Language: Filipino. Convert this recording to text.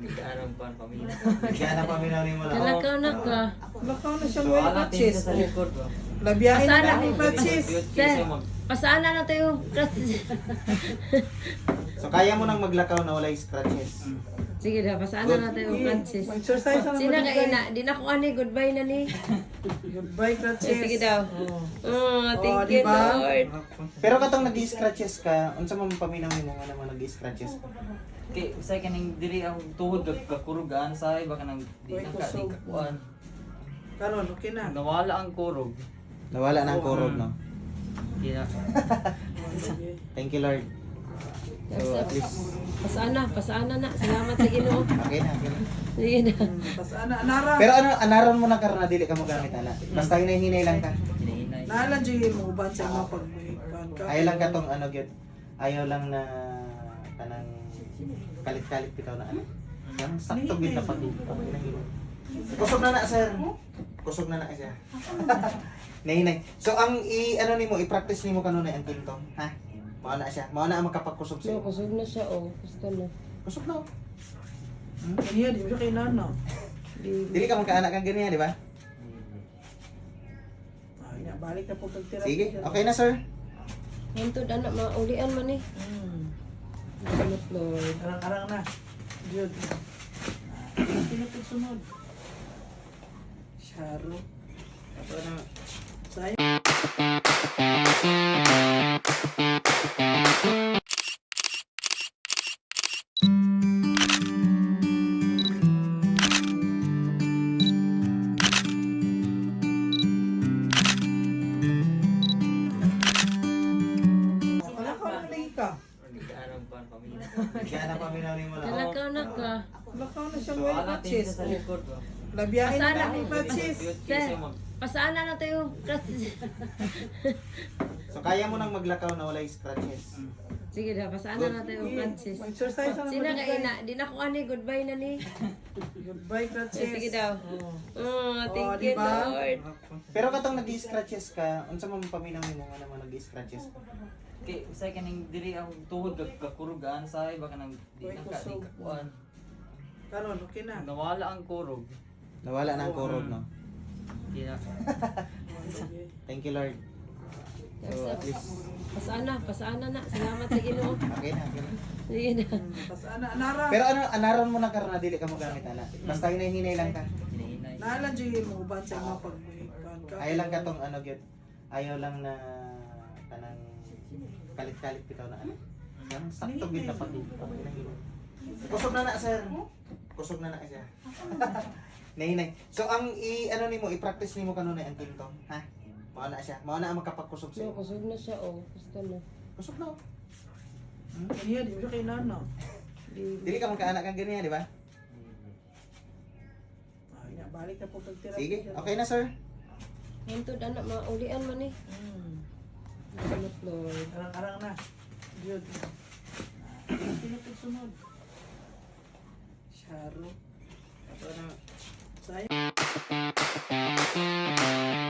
Nagkaanang pan pamilya. Kaya na paminaw ni mo lang. Kalakaw na ka. Lakaw na siyang So, well alat din patches. sa likod. Labiyahin na Pasana. ng patches. Sir, pasaan na natin yung So kaya mo nang maglakaw na walay scratches. Sige na, pasaan na natin yung crutches. Exercise na Sina naman ka ina, di na ko ani, goodbye na ni. Goodbye, crutches. Sige daw. Thank you, diba? Lord. Pero katong nag-scratches ka, unsa man paminaw nimo nga naman nag-scratches ka? Okay, usay ka ning diri ang tuhod kakurugan sa iba ka nang di na ka di kakuan. Karon, okay na. Nawala ang kurog. Nawala na ang kurog, no? Di na. Thank you, Lord. So at least Pasaan na. Salamat sa Ginoo. okay na, okay na. Sige na. Tapos anara. Pero ano, anaron mo na karon na dili ka mo gamit ana. Basta hinahinay lang ka. Hinahinay. Naalan dyan yung uban sa mga pagbuhipan ka. Ayaw lang katong ano gyud. Ayaw lang na kanang kalit-kalit bitaw na ano. Yang sakto gyud na pag-hinahinay. Kusog na sir. Kusog na siya. Nahinay. So ang ano nimo i-practice nimo kanunay ang kintong, ha? Mao na siya. Mao na ang makapagkusog sa No, iyo. kusog na siya, oh. Gusto na. Kusog na. Kaniya, di mo siya kay nana. Dili ka magkaanak kang ganyan, di ba? Ay, na, balik na po pagtira. Sige, okay na sir. Hantod, anak, maulian man eh. Salamat, Lord. Arang-arang na. Jud. Pinapagsunod. Sharo. Ito na. Sayang. Wala ka lang lagi ka. Nagkaanang pan pamilya. Kaya na paminaw nimo lang. Kalakaw na ka. Lakaw na siyang So, well alat din patches. sa likod. Labiyahin na Pasana. ng patches. Sir, pasaan na natin yung crutches. So kaya mo nang maglakaw na walay scratches. Sige na, pasaan na natin yung crutches. Exercise na Sina naman ka ina, di na ko ani, goodbye na ni. Goodbye, crutches. Sige daw. Thank you, diba? Lord. Pero katong nag-scratches ka, unsa man paminaw nimo nga naman nag-scratches ka? Okay, usay ka ning diri ang tuhod kakurugan sa iba ka nang di na ka di kakuan. Karon, okay na. Nawala ang kurog. Nawala na ang kurog, no? Di na. Thank you, Lord. So at least Pasaan na. Salamat sa Ginoo. okay na, okay na. Sige na. Tapos anara. Pero ano, anaron mo na karon na dili ka mo gamit ana. Basta hinahinay lang ka. Hinahinay. Naalan dyan yung uban sa mga pagbuhipan ka. Ayaw lang katong ano gyud. Ayaw lang na kanang kalit-kalit bitaw na ano. Yang sakto gyud na pag-hinahinay. Kusog na sir. Kusog na siya. Nahinay. So ang ano nimo i-practice nimo kanunay ang kintong, ha? Mao na siya. Mao na ang makapagkusog sa No, iyo. kusog na siya, oh. Gusto na. Kusog na. Kaniya, di mo siya kay nana. Dili ka magkaanak kang ganyan, di ba? Ay, na, balik na po pagtira. Sige, okay na sir. Hantod, anak, maulian man eh. Salamat, Lord. Arang-arang na. Jud. Pinapagsunod. Sharo. Ito na. Sayang.